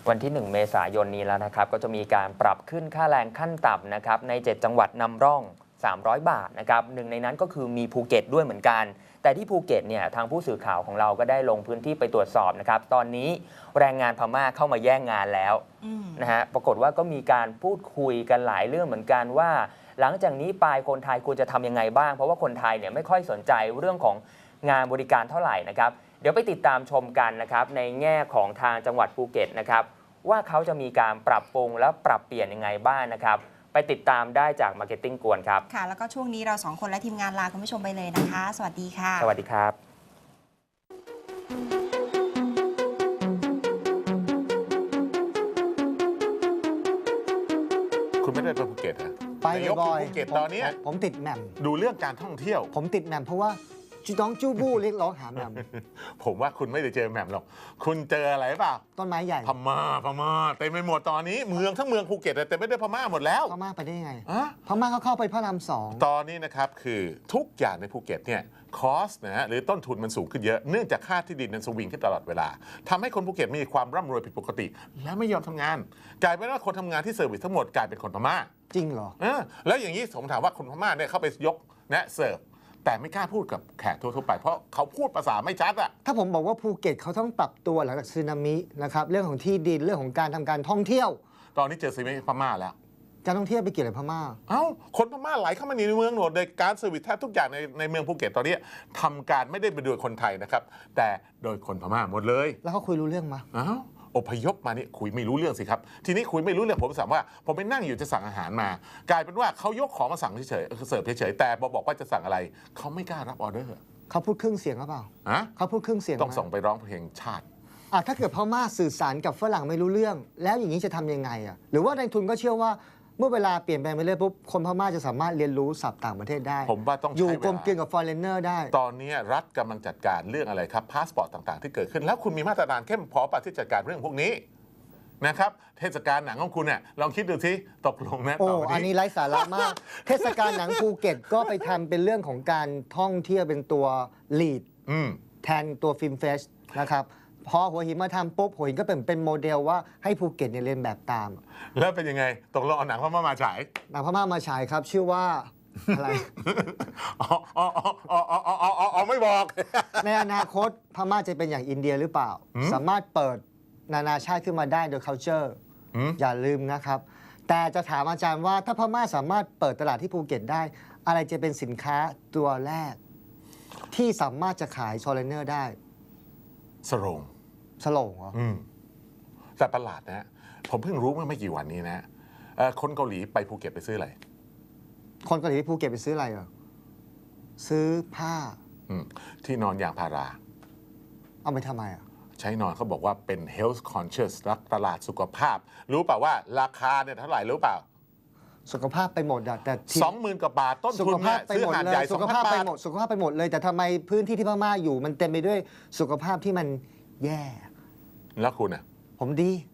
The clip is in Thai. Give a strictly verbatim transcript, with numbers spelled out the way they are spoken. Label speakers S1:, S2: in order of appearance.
S1: วันที่หนึ่งเมษายนนี้แล้วนะครับก็จะมีการปรับขึ้นค่าแรงขั้นต่ำนะครับในเจ็ดจังหวัดนำร่องสามร้อยบาทนะครับหนึ่งในนั้นก็คือมีภูเก็ตด้วยเหมือนกันแต่ที่ภูเก็ตเนี่ยทางผู้สื่อข่าวของเราก็ได้ลงพื้นที่ไปตรวจสอบนะครับตอนนี้แรงงานพม่าเข้ามาแย่งงานแล้วนะฮะปรากฏว่าก็มีการพูดคุยกันหลายเรื่องเหมือนกันว่าหลังจากนี้ไปคนไทยควรจะทำยังไงบ้างเพราะว่าคนไทยเนี่ยไม่ค่อยสนใจเรื่องของงานบริการเท่าไหร่นะครับเดี๋ยวไปติดตามชมกันนะครับในแง่ของทางจังหวัดภูเก็ตนะครับว่าเขาจะมีการปรับปรุงและปรับเปลี่ยนยังไงบ้างนะครับไปติดตามได้จาก Marketing กวนครับ
S2: ค่ะแล้วก็ช่วงนี้เราสองคนและทีมงานลาคุณผู้ชมไปเลยนะคะสวัสดีค่ะ
S1: สวัสดีครับ
S3: คุณไม่ได้ไปภูเก็ตฮะ
S4: ไปบ่อย
S3: ภูเก็ตตอนนี้
S4: ผมติดแหม่ม
S3: ดูเรื่องการท่องเที่ยว
S4: ผมติดแหม่มเพราะว่าจูต้องจู้บู้เรียกร้องหาแหม่ม
S3: ผมว่าคุณไม่ได้เจอแหม่มหรอกคุณเจออะไรเปล่า
S4: ต้นไม้ใหญ่
S3: พม่าพม่าเต็มไปหมดตอนนี้เมืองทั้งเมืองภูเก็ตเต็มไปด้วยพม่าหมดแล้ว
S4: พม่าไปได้ยังไง
S3: อะ
S4: พม่าเขาเข้าไปพระรามสอง
S3: ตอนนี้นะครับคือทุกอย่างในภูเก็ตเนี่ยคอสนะฮะหรือต้นทุนมันสูงขึ้นเยอะเนื่องจากค่าที่ดินมันสวิงขึ้นตลอดเวลาทำให้คนภูเก็ตมีความร่ำรวยผิดปกติและไม่ยอมทำงานกลายเป็นว่าคนทำงานที่เซอร์วิสทั้งหมดกลายเป็นคนพม่า
S4: จริงเหรอ
S3: เออแล้วอย่างนี้ผมถามว่าคนพม่าเนี่ยเข้าไปยกนะเสิร์ฟแต่ไม่กล้าพูดกับแขกทั่วๆไปเพราะเขาพูดภาษาไม่ชัดอะ
S4: ถ้าผมบอกว่าภูเก็ตเขาต้องปรับตัวหลังจากสึนามินะครับเรื่องของที่ดินเรื่องของการทำการท่องเที่ยว
S3: ตอนนี้เจอสึนามิพม่าแล้ว
S4: การท่องเที่ยวไปเกี่ยวกับพม่า
S3: เอ้าคนพม่าไหลเข้ามาในเมืองหมดเลยการเซอร์วิสแทบทุกอย่างในในเมืองภูเก็ตตอนนี้ทำการไม่ได้ไปโดยคนไทยนะครับแต่โดยคนพม่าหมดเลย
S4: แล้วเขาคุยรู้เรื่องมั้ย
S3: อ้าวอพยพมานี่คุยไม่รู้เรื่องสิครับทีนี้คุยไม่รู้เรื่องผมถามว่าผมไปนั่งอยู่จะสั่งอาหารมากลายเป็นว่าเขายกของมาสั่งเฉยๆเสิร์ฟเฉยๆแต่พอบอกว่าจะสั่งอะไรเขาไม่กล้ารับออเดอร์
S4: เขาพูดครึ่งเสียงหรือเปล่า
S3: ฮะ
S4: เขาพูดครึ่งเสียง
S3: ต้องส่งไปร้องเพลงชาติ
S4: อ่ะถ้าเกิดพม่าสื่อสารกับฝรั่งไม่รู้เรื่องแล้วอย่างนี้จะทำยังไงอ่ะหรือว่าในทุนก็เชื่อว่าเมื่อเวลาเปลี่ยนแปลงไปเรื่อยปุ๊บคนพม่าจะสามารถเรียนรู้ศัพท์ต่างประเทศได้
S3: ผมว่าต้อง
S4: อยู่กลมเกลียวกับฟอร์เรนเนอร์ได้
S3: ตอนนี้รัฐกำลังจัดการเรื่องอะไรครับพาสปอร์ตต่างๆที่เกิดขึ้นแล้วคุณมีมาตรการเข้มพอป่ะที่จัดการเรื่องพวกนี้นะครับเทศกาลหนังของคุณเนี่ยลองคิดดูสิตกลงนะ
S4: โอ้อันนี้ไร้สาระมากเทศกาลหนังภูเก็ตก็ไปทำเป็นเรื่องของการท่องเที่ยวเป็นตัวลีดแทนตัวฟิล์มเฟสนะครับพอหัวหินมาทำปุ๊บหัวหินก็เป็นเป็นโมเดลว่าให้ภูเก็ตเนี่ยเรียนแบบตาม
S3: แล้วเป็นยังไงตกลงเอาหนังพม่ามาฉาย
S4: หนังพม่ามาฉายครับชื่อว่าอะไร
S3: อ๋ออ๋ออ๋ออ๋ออ๋ออ๋อไม่บอก
S4: ในอนาคตพม่าจะเป็นอย่างอินเดียหรือเปล่าสามารถเปิดนานาชาติขึ้นมาได้โดย culture อย่าลืมนะครับแต่จะถามอาจารย์ว่าถ้าพม่าสามารถเปิดตลาดที่ภูเก็ตได้อะไรจะเป็นสินค้าตัวแรกที่สามารถจะขายโชเลเนอร์ได้
S3: สโรง
S4: สโรงเหรอ
S3: อืมแต่ประหลาดนะผมเพิ่งรู้เมื่อไม่กี่วันนี้นะคนเกาหลีไปภูเก็ตไปซื้ออะไร
S4: คนเกาหลีไปภูเก็ตไปซื้ออะไรเหรอซื้อผ้า
S3: ที่นอนยางพารา
S4: เอาไปทำไมอ่ะ
S3: ใช้นอนเขาบอกว่าเป็น health conscious รักตลาดสุขภาพรู้เปล่าว่าราคาเนี่ยเท่าไหร่รู้เปล่า
S4: สุขภาพไปหมดอะแต่
S3: สองหมื่นกว่าบาทต้นทุนเนี่ยซื้อหาดใหญ่
S4: สุขภาพไปหมดสุขภาพไปหมดเลยแต่ทำไมพื้นที่ที่พม่าอยู่มันเต็มไปด้วยสุขภาพที่มันแย่
S3: แล้วคุณอ่ะ
S4: ผมดี